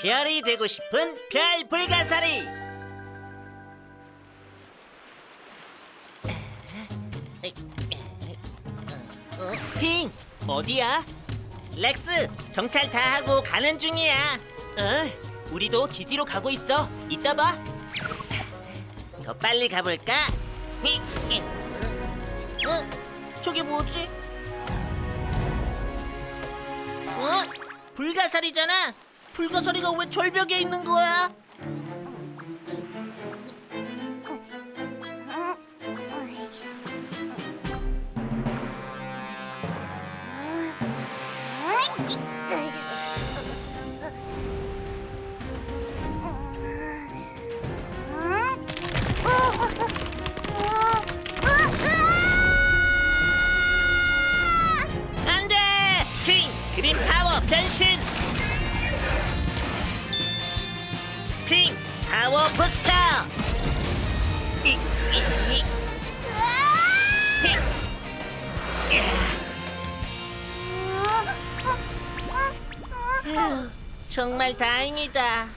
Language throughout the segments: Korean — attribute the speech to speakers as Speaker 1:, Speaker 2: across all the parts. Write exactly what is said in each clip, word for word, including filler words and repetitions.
Speaker 1: 별이 되고 싶은 별 불가사리. 어, 핑, 어디야? 렉스, 정찰 다 하고 가는 중이야.
Speaker 2: 어, 우리도 기지로 가고 있어. 이따 봐.
Speaker 1: 더 빨리 가볼까? 어? 저게 뭐지? 어? 불가사리잖아. 불가사리가 왜 절벽에 있는 거야? 안 돼! 핑! 그린 파워 변신! 핑! 파워 부스터! 이, 이, 이. 핑! 휴, 정말 다행이다.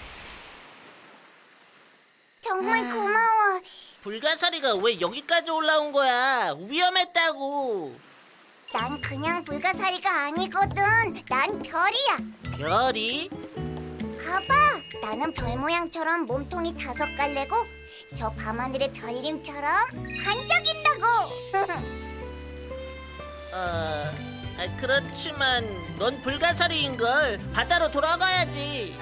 Speaker 3: 정말 고마워.
Speaker 1: 불가사리가 왜 여기까지 올라온 거야? 위험했다고.
Speaker 3: 난 그냥 불가사리가 아니거든. 난 별이야.
Speaker 1: 별이?
Speaker 3: 봐봐. 나는 별 모양처럼 몸통이 다섯 갈래고 저 밤하늘의 별님처럼 반짝인다고.
Speaker 1: 어, 아, 그렇지만 넌 불가사리인걸. 바다로 돌아가야지.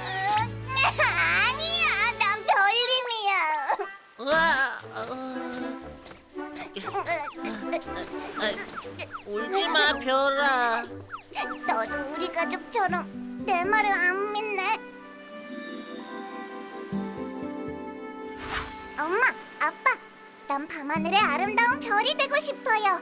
Speaker 3: 아니야. 난 별님이야.
Speaker 1: 우와, 어... 아, 울지마 별아.
Speaker 3: 너도 우리 가족처럼 내 말을 안 믿네. 엄마, 아빠, 난 밤하늘의 아름다운 별이 되고 싶어요.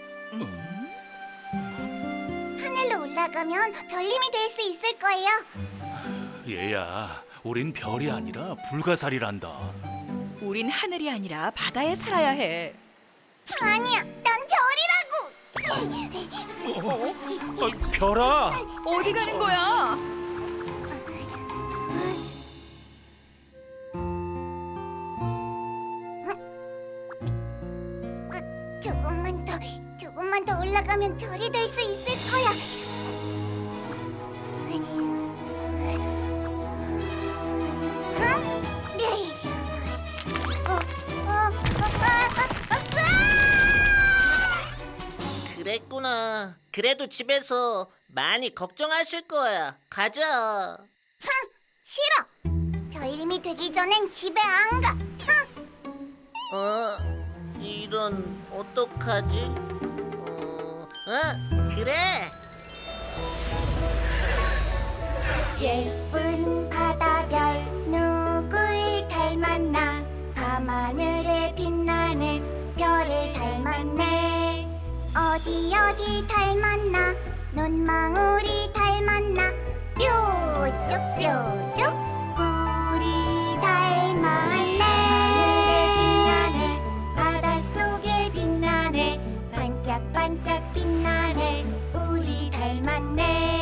Speaker 3: 하늘로 올라가면 별님이 될 수 있을 거예요.
Speaker 4: 얘야, 우린 별이 아니라 불가사리란다.
Speaker 5: 우린 하늘이 아니라 바다에 살아야 해.
Speaker 3: 아니야, 난 별이라고.
Speaker 4: 어? 어, 별아!
Speaker 5: 어디 가는 거야?
Speaker 3: 으, 조금만 더, 조금만 더 올라가면 별이 될 수 있을 거야. 응? 네. 어, 어, 어, 아, 아, 아,
Speaker 1: 그랬구나. 그래도 집에서 많이 걱정하실 거야. 가자.
Speaker 3: 흥, 싫어. 별님이 되기 전엔 집에 안 가. 흥.
Speaker 1: 어? 이런 어떡하지? 어? 어? 그래.
Speaker 3: 예쁜 바다별 누굴 닮았나 밤하늘에 빛나는 별을 닮았네. 어디 어디 닮았나 눈망울이 닮았나 뾰족 뾰족 우리 닮았네. 빛나네 바닷속에 빛나네 반짝반짝 빛나네 우리 닮았네.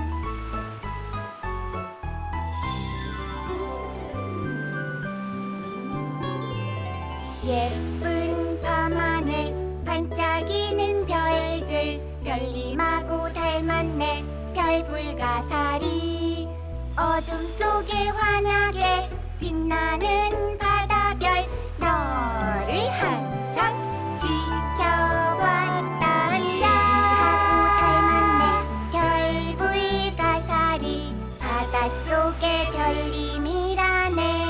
Speaker 3: 예쁜 밤하늘 반짝이는 별들 별님하고 닮았네 별불가사리. 어둠 속에 환하게 빛나는 바다별 너를 항상 지켜왔단다. 하고 닮았네 별불가사리 바닷속의 별님이라네.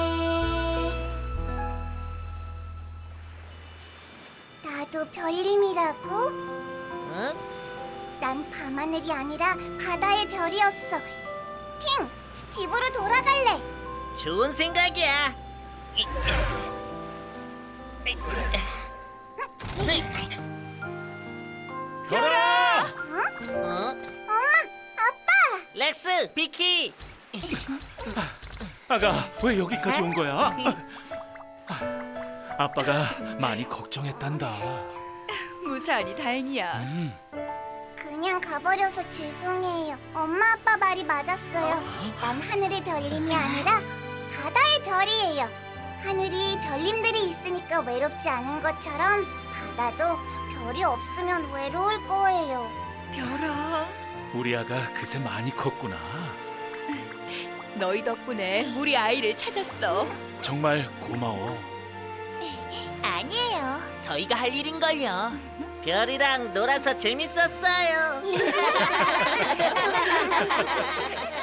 Speaker 3: 나도 별님이라고?
Speaker 1: 어?
Speaker 3: 난 밤하늘이 아니라 바다의 별이었어. 핑, 집으로 돌아갈래.
Speaker 1: 좋은 생각이야.
Speaker 4: 별아!
Speaker 1: 어?
Speaker 3: 엄마, 아빠.
Speaker 1: 렉스, 비키.
Speaker 4: 아가, 왜 여기까지 온 거야? 아빠가 많이 걱정했단다.
Speaker 5: 무사하니 다행이야.
Speaker 4: 음,
Speaker 3: 그냥 그냥 가버려서 죄송해요. 엄마 아빠 말이 맞았어요. 난 하늘의 별님이 아니라 바다의 별이에요. 하늘이 별님들이 있으니까 외롭지 않은 것처럼 바다도 별이 없으면 외로울 거예요.
Speaker 5: 별아,
Speaker 4: 우리 아가 그새 많이 컸구나.
Speaker 5: 너희 덕분에 우리 아이를 찾았어.
Speaker 4: 정말 고마워.
Speaker 3: 아니에요.
Speaker 2: 저희가 할 일인걸요.
Speaker 1: 별이랑 놀아서 재밌었어요.